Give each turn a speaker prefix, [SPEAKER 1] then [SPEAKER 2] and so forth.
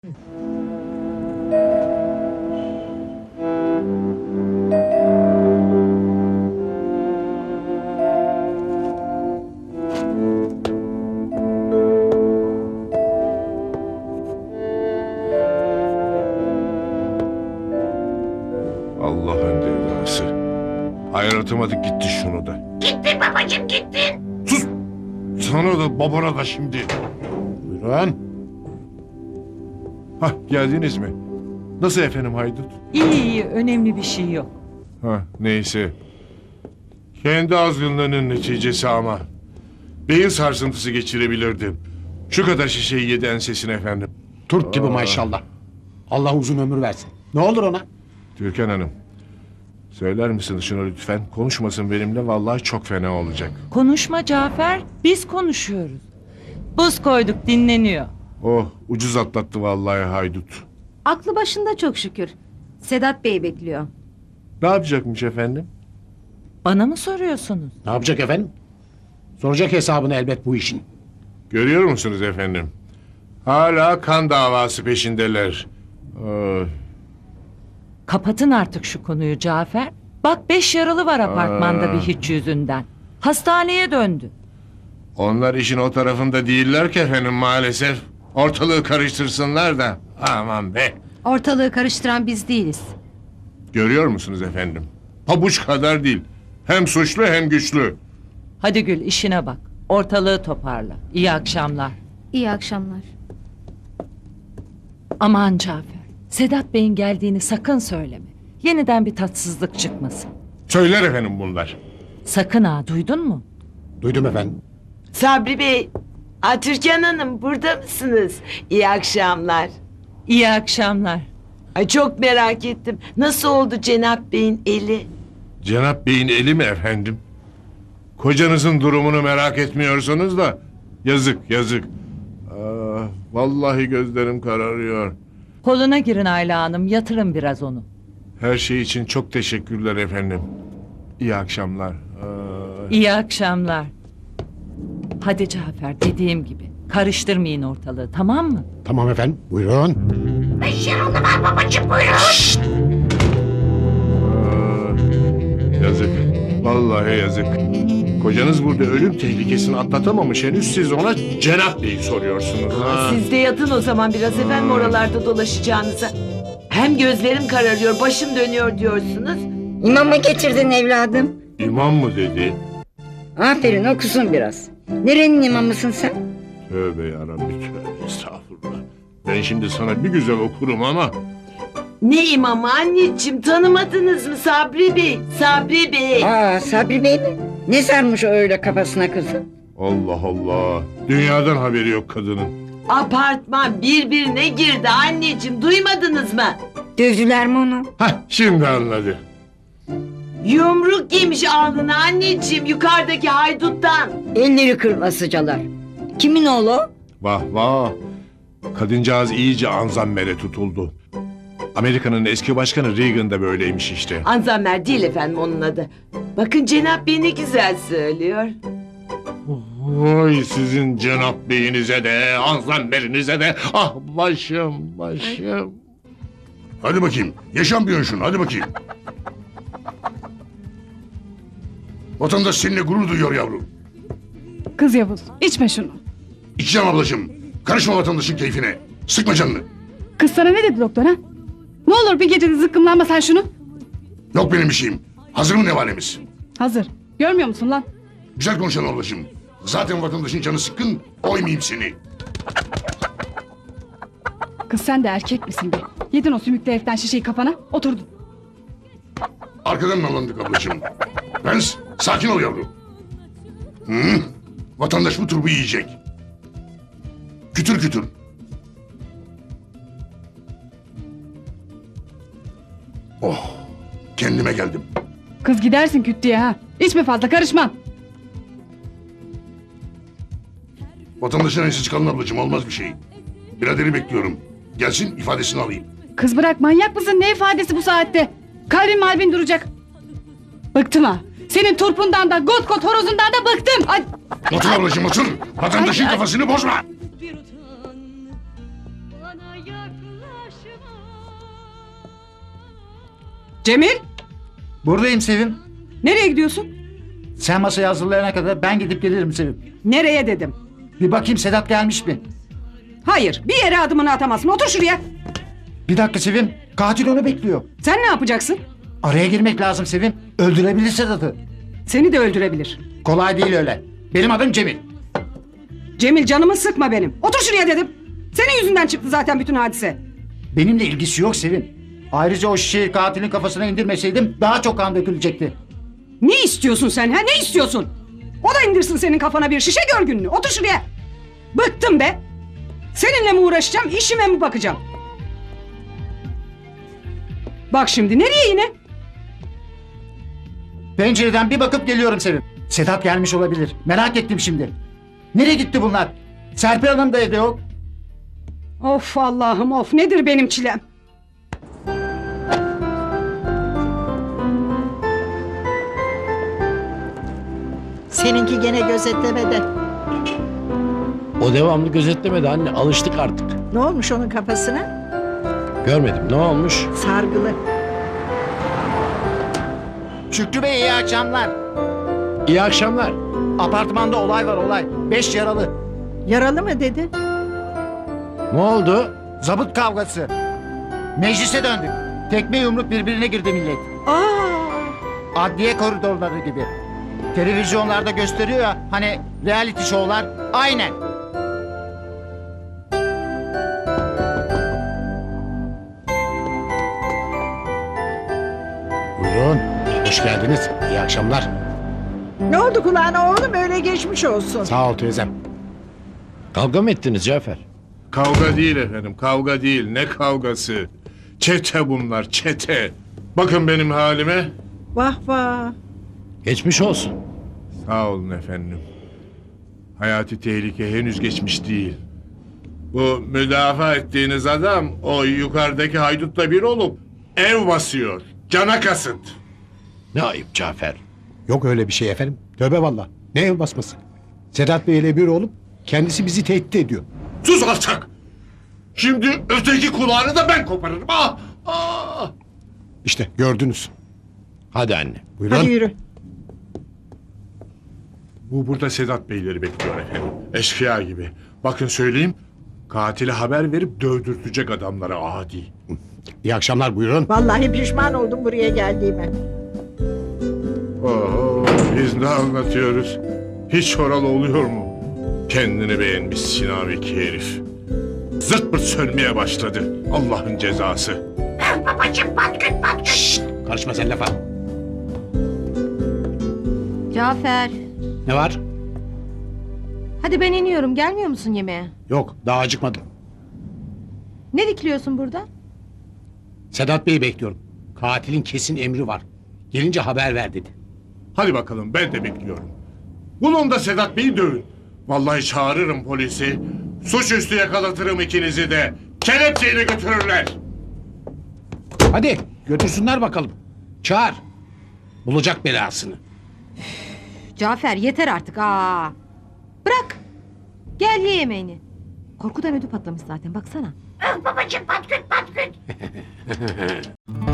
[SPEAKER 1] Allah'ın cezası. Ayartamadık gitti şunu da.
[SPEAKER 2] Gittin babacığım gittin.
[SPEAKER 1] Sus! Sana da babana da şimdi.
[SPEAKER 3] Buyurun.
[SPEAKER 1] Hah, geldiniz mi? Nasıl efendim haydut?
[SPEAKER 4] İyi, önemli bir şey yok.
[SPEAKER 1] Ha, neyse. Kendi azgınlığının neticesi ama. Beyin sarsıntısı geçirebilirdim. Şu kadar şişeyi yedi ensesine efendim.
[SPEAKER 3] Turp gibi maşallah. Allah uzun ömür versin. Ne olur ona?
[SPEAKER 1] Türkan Hanım. Söyler misiniz şunu lütfen? Konuşmasın benimle, vallahi çok fena olacak.
[SPEAKER 4] Konuşma Cafer, biz konuşuyoruz. Buz koyduk, dinleniyor.
[SPEAKER 1] Oh, ucuz atlattı vallahi haydut.
[SPEAKER 5] Aklı başında çok şükür. Sedat Bey bekliyor.
[SPEAKER 1] Ne yapacakmış efendim?
[SPEAKER 4] Bana mı soruyorsunuz?
[SPEAKER 3] Ne yapacak efendim? Soracak hesabını elbet bu işin.
[SPEAKER 1] Görüyor musunuz efendim? Hala kan davası peşindeler. Ay.
[SPEAKER 4] Kapatın artık şu konuyu Cafer. Bak 5 yaralı var apartmanda bir hiç yüzünden. Hastaneye döndü.
[SPEAKER 1] Onlar işin o tarafında değiller ki efendim maalesef. Ortalığı karıştırsınlar da. Aman be.
[SPEAKER 5] Ortalığı karıştıran biz değiliz.
[SPEAKER 1] Görüyor musunuz efendim? Pabuç kadar değil. Hem suçlu hem güçlü.
[SPEAKER 4] Hadi Gül işine bak. Ortalığı toparla. İyi akşamlar.
[SPEAKER 5] İyi akşamlar.
[SPEAKER 4] Aman Cafer. Sedat Bey'in geldiğini sakın söyleme. Yeniden bir tatsızlık çıkmasın.
[SPEAKER 1] Söyler efendim bunlar.
[SPEAKER 4] Sakın ha, duydun mu?
[SPEAKER 3] Duydum efendim.
[SPEAKER 2] Sabri Bey, Türkan Hanım burada mısınız? İyi akşamlar.
[SPEAKER 4] İyi akşamlar.
[SPEAKER 2] Ay çok merak ettim. Nasıl oldu Cenap Bey'in eli?
[SPEAKER 1] Cenap Bey'in eli mi efendim? Kocanızın durumunu merak etmiyorsunuz da. Yazık yazık. Vallahi gözlerim kararıyor.
[SPEAKER 4] Koluna girin Ayla Hanım, yatırın biraz onu.
[SPEAKER 1] Her şey için çok teşekkürler efendim. İyi akşamlar.
[SPEAKER 4] İyi akşamlar. Hadi Cafer, dediğim gibi. Karıştırmayın ortalığı, tamam mı?
[SPEAKER 3] Tamam efendim. Buyurun.
[SPEAKER 1] Yazık. Vallahi yazık. Kocanız burada ölüm tehlikesini atlatamamış henüz, siz ona Cenap Bey'i soruyorsunuz. Ha.
[SPEAKER 2] Siz de yatın o zaman biraz efendim oralarda dolaşacağınıza. Hem gözlerim kararıyor, başım dönüyor diyorsunuz.
[SPEAKER 6] İmam mı getirdin evladım?
[SPEAKER 1] İmam mı dedi?
[SPEAKER 6] Aferin okusun biraz. Nerenin imamısın sen?
[SPEAKER 1] Tövbe yarabbi tövbe, estağfurullah. Ben şimdi sana bir güzel okurum ama...
[SPEAKER 2] Ne imamı anneciğim, tanımadınız mı Sabri Bey? Sabri Bey.
[SPEAKER 6] Sabri Bey mi? Ne sarmış o öyle kafasına kızım?
[SPEAKER 1] Allah Allah. Dünyadan haberi yok kadının.
[SPEAKER 2] Apartman birbirine girdi anneciğim, duymadınız mı?
[SPEAKER 6] Dövdüler mi onu?
[SPEAKER 1] Hah, şimdi anladı.
[SPEAKER 2] Yumruk yemiş alnına anneciğim yukarıdaki hayduttan.
[SPEAKER 6] Elleri kırmasıcalar. Kimin oğlu o?
[SPEAKER 1] Vah vah. Kadıncağız iyice anzammere tutuldu. Amerika'nın eski başkanı Reagan da böyleymiş işte.
[SPEAKER 2] Anzammer değil efendim onun adı. Bakın Cenap Bey ne güzel söylüyor.
[SPEAKER 1] Vay sizin Cenap Bey'inize de, anzammerinize de. Ah başım, başım.
[SPEAKER 7] Hadi bakayım. Yaşamıyorsun şunu. Hadi bakayım. Vatandaş seninle gurur duyuyor yavrum.
[SPEAKER 8] Kız Yavuz, içme şunu.
[SPEAKER 7] İçeceğim ablacığım. Karışma vatandaşın keyfine. Sıkma canını.
[SPEAKER 8] Kız sana ne dedi doktor ha? Ne olur bir gecede zıkkımlanma sen şunu.
[SPEAKER 7] Yok benim bir şeyim. Hazır mı nevalemiz?
[SPEAKER 8] Hazır. Görmüyor musun lan?
[SPEAKER 7] Güzel konuşalım ablacığım. Zaten vatandaşın canı sıkkın. Oymayayım seni.
[SPEAKER 8] Kız sen de erkek misin be? Yedin o sümüklü heriften şişeyi kafana, oturdun.
[SPEAKER 7] Arkadan nalandık ablacığım. Prens sakin ol yavrum. Hı? Vatandaş bu turbu yiyecek. Kütür kütür. Oh, kendime geldim.
[SPEAKER 8] Kız gidersin küt diye ha. İçme fazla, karışma.
[SPEAKER 7] Vatandaşın ensi çıkalım ablacığım, olmaz bir şey. Biraderi bekliyorum. Gelsin ifadesini alayım.
[SPEAKER 8] Kız bırak, manyak mısın? Ne ifadesi bu saatte? Kalbin malbin duracak. Bıktım ha. Senin turpundan da, got got horozundan da bıktım. Ay.
[SPEAKER 7] Otur ablacığım otur. Vatandaşın
[SPEAKER 8] Ay, ay.
[SPEAKER 7] kafasını bozma.
[SPEAKER 9] Bir utan bana yak
[SPEAKER 8] Cemil,
[SPEAKER 9] Buradayım Sevim.
[SPEAKER 8] nereye gidiyorsun?
[SPEAKER 9] Sen masayı hazırlayana kadar ben gidip gelirim Sevim.
[SPEAKER 8] Nereye dedim.
[SPEAKER 9] Bir bakayım Sedat gelmiş mi?
[SPEAKER 8] Hayır, bir yere adımını atamazsın. Otur şuraya.
[SPEAKER 9] Bir dakika Sevim. Katil onu bekliyor.
[SPEAKER 8] Sen ne yapacaksın?
[SPEAKER 9] Araya girmek lazım Sevim. Öldürebilir Sedat'ı.
[SPEAKER 8] Seni de öldürebilir.
[SPEAKER 9] Kolay değil öyle. Benim adım Cemil.
[SPEAKER 8] Cemil, canımı sıkma benim. Otur şuraya dedim. Senin yüzünden çıktı zaten bütün hadise.
[SPEAKER 9] Benimle ilgisi yok Sevim. Ayrıca o şişeyi katilin kafasına indirmeseydim daha çok kan dökülecekti.
[SPEAKER 8] Ne istiyorsun sen ha? Ne istiyorsun? O da indirsin senin kafana bir şişe gör gününü. Otur şuraya. Bıktım be. Seninle mi uğraşacağım, işime mi bakacağım? Bak şimdi nereye yine?
[SPEAKER 9] Pencereden bir bakıp geliyorum Sevim. Sedat gelmiş olabilir. Merak ettim şimdi. Nereye gitti bunlar? Serpil Hanım da evde yok.
[SPEAKER 8] Of Allah'ım of, nedir benim çilem?
[SPEAKER 6] Seninki gene gözetlemede.
[SPEAKER 10] O devamlı gözetlemedi anne. Alıştık artık.
[SPEAKER 6] Ne olmuş onun kafasına?
[SPEAKER 10] Görmedim. Ne olmuş?
[SPEAKER 6] Sargılı.
[SPEAKER 9] Şükrü Bey iyi akşamlar.
[SPEAKER 10] İyi akşamlar.
[SPEAKER 9] Apartmanda olay var olay. 5 yaralı.
[SPEAKER 6] Yaralı mı dedi?
[SPEAKER 10] Ne oldu?
[SPEAKER 9] Zabıt kavgası. Meclise döndük. Tekme yumruk birbirine girdi millet. Adliye koridorları gibi. Televizyonlarda gösteriyor ya hani reality show'lar. Aynen.
[SPEAKER 3] Buyurun. Hoş geldiniz. İyi akşamlar.
[SPEAKER 6] Ne oldu kulağına oğlum öyle geçmiş olsun.
[SPEAKER 3] Sağ ol teyzem.
[SPEAKER 10] Kavga mı ettiniz Cafer?
[SPEAKER 1] Kavga değil efendim, kavga değil. Ne kavgası? Çete bunlar, çete. Bakın benim halime.
[SPEAKER 6] Vah vah.
[SPEAKER 10] Geçmiş olsun.
[SPEAKER 1] Sağ olun efendim. Hayati tehlike henüz geçmiş değil. Bu müdafaa ettiğiniz adam o yukarıdaki haydutla bir olup ev basıyor. Cana kasıt.
[SPEAKER 10] Ne ayıp Cafer.
[SPEAKER 3] Yok öyle bir şey efendim. Tövbe valla. Ne ev basması? Sedat Bey ile bir olup kendisi bizi tehdit ediyor.
[SPEAKER 1] Sus alçak! Şimdi öteki kulağını da ben koparırım. Ah! Ah!
[SPEAKER 3] İşte gördünüz.
[SPEAKER 10] Hadi anne.
[SPEAKER 3] Buyurun.
[SPEAKER 6] Hadi yürü.
[SPEAKER 1] Bu burada Sedat Beyleri bekliyor efendim. Eşkıya gibi. Bakın söyleyeyim. Katile haber verip dövdürtecek adamlara adi.
[SPEAKER 3] İyi akşamlar buyurun.
[SPEAKER 6] Vallahi pişman oldum buraya geldiğime.
[SPEAKER 1] Oo, biz ne anlatıyoruz? Hiç oralı oluyor mu? Kendini beğenmiş sinaviki herif. Zırt pırt sönmeye başladı. Allah'ın cezası.
[SPEAKER 3] Karışma sen lafa.
[SPEAKER 5] Cafer.
[SPEAKER 3] Ne var?
[SPEAKER 5] Hadi ben iniyorum. Gelmiyor musun yemeğe?
[SPEAKER 3] Yok daha acıkmadım.
[SPEAKER 5] Ne dikiliyorsun burada?
[SPEAKER 3] Sedat Bey'i bekliyorum. Katilin kesin emri var. Gelince haber ver dedi.
[SPEAKER 1] Hadi bakalım ben de bekliyorum. Bulun da Sedat Bey'i dövün. Vallahi çağırırım polisi. Suçüstü yakalatırım ikinizi de. Kelepçeyle götürürler.
[SPEAKER 3] Hadi götürsünler bakalım. Çağır. Bulacak belasını.
[SPEAKER 5] Cafer yeter artık. Aa. Bırak. Gel ye yemeğini. Korkudan ödü patlamış zaten baksana.